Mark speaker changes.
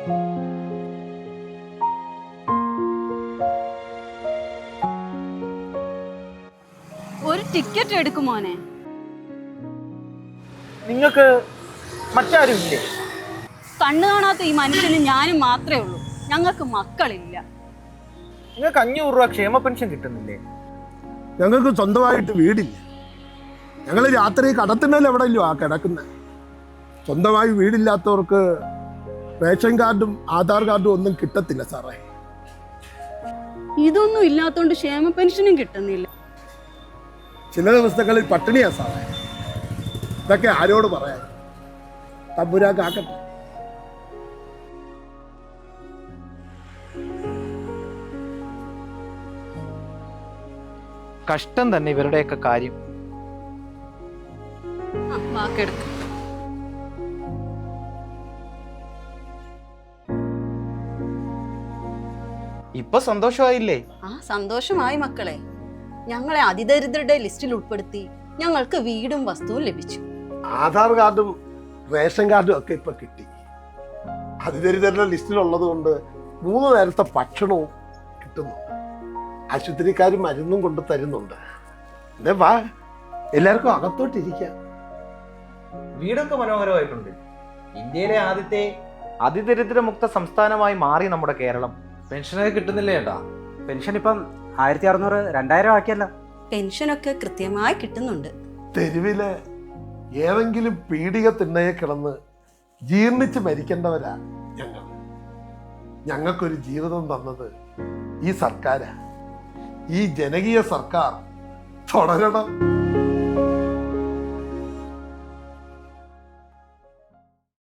Speaker 1: ഒരു ടിക്കറ്റ് എടുക്കുമോനെ?
Speaker 2: നിങ്ങൾക്ക് മറ്റാരും ഇല്ലേ?
Speaker 1: കണ്ണു കാണാത്ത ഈ മനുഷ്യന് ഞാനും മാത്രമേ ഉള്ളൂ. ഞങ്ങൾക്ക് മക്കളില്ല.
Speaker 2: നിങ്ങൾക്ക് 500 രൂപ ക്ഷേമ പെൻഷൻ കിട്ടുന്നില്ലേ?
Speaker 3: ഞങ്ങൾക്ക് സ്വന്തമായിട്ട് വീടില്ല. ഞങ്ങൾ രാത്രി കടത്തുന്നതിൽ എവിടെയല്ലോ ആ കിടക്കുന്നത്. സ്വന്തമായി വീടില്ലാത്തവർക്ക് റേഷൻ കാർഡും ആധാർ കാർഡും ഒന്നും കിട്ടത്തില്ല സാറേ.
Speaker 1: ഇതൊന്നും ഇല്ലാത്തോണ്ട് ക്ഷേമ പെൻഷനും കിട്ടുന്നില്ല.
Speaker 3: ചില ദിവസങ്ങളിൽ പട്ടിണിയാ സാറേ. ഇതൊക്കെ ആരോട് പറയാൻ? തമ്പുരാക്കാക്കട്ടെ.
Speaker 2: കഷ്ടം തന്നെ ഇവരുടെയൊക്കെ കാര്യം.
Speaker 1: വാക്കെടുക്ക.
Speaker 2: ഇപ്പൊ സന്തോഷമായില്ലേ?
Speaker 1: ആ, സന്തോഷമായി മക്കളെ. ഞങ്ങളെ അതിദരിദ്രരുടെ ലിസ്റ്റിൽ ഉൾപ്പെടുത്തി ഞങ്ങൾക്ക് വീടും വസ്തുവും ലഭിച്ചു.
Speaker 3: ആധാർ കാർഡും റേഷൻ കാർഡും ഒക്കെ ഇപ്പൊ കിട്ടി. അതിദരിദ്രരുടെ ലിസ്റ്റിലുള്ളത് കൊണ്ട് 3 നേരത്തെ ഭക്ഷണവും കിട്ടുന്നുണ്ട്. ആശുപത്രിക്കാരും മരുന്നും കൊണ്ട് തരുന്നുണ്ട്. എന്തേ വാ, എല്ലാവർക്കും അകത്തോട്ടിരിക്കാം.
Speaker 2: വീടൊക്കെ മനോഹരമായിട്ടുണ്ട്. ഇന്ത്യയിലെ ആദ്യത്തെ അതിദരിദ്രമുക്ത സംസ്ഥാനമായി മാറി നമ്മുടെ കേരളം. പെൻഷനൊക്കെ കിട്ടുന്നില്ലേ ഏട്ടാ?
Speaker 4: പെൻഷൻ ഇപ്പം 1600 2000 ആക്കിയല്ലോ.
Speaker 1: പെൻഷനൊക്കെ കൃത്യമായി കിട്ടുന്നുണ്ട്.
Speaker 3: തെരുവില് ഏതെങ്കിലും പീഡിക തിണ്ണയെ കിടന്ന് ജീർണിച്ച് മരിക്കേണ്ടവരാ ഞങ്ങൾ. ഞങ്ങൾക്കൊരു ജീവിതം തന്നത് ഈ സർക്കാരാ. ഈ ജനകീയ സർക്കാർ തുടരണം.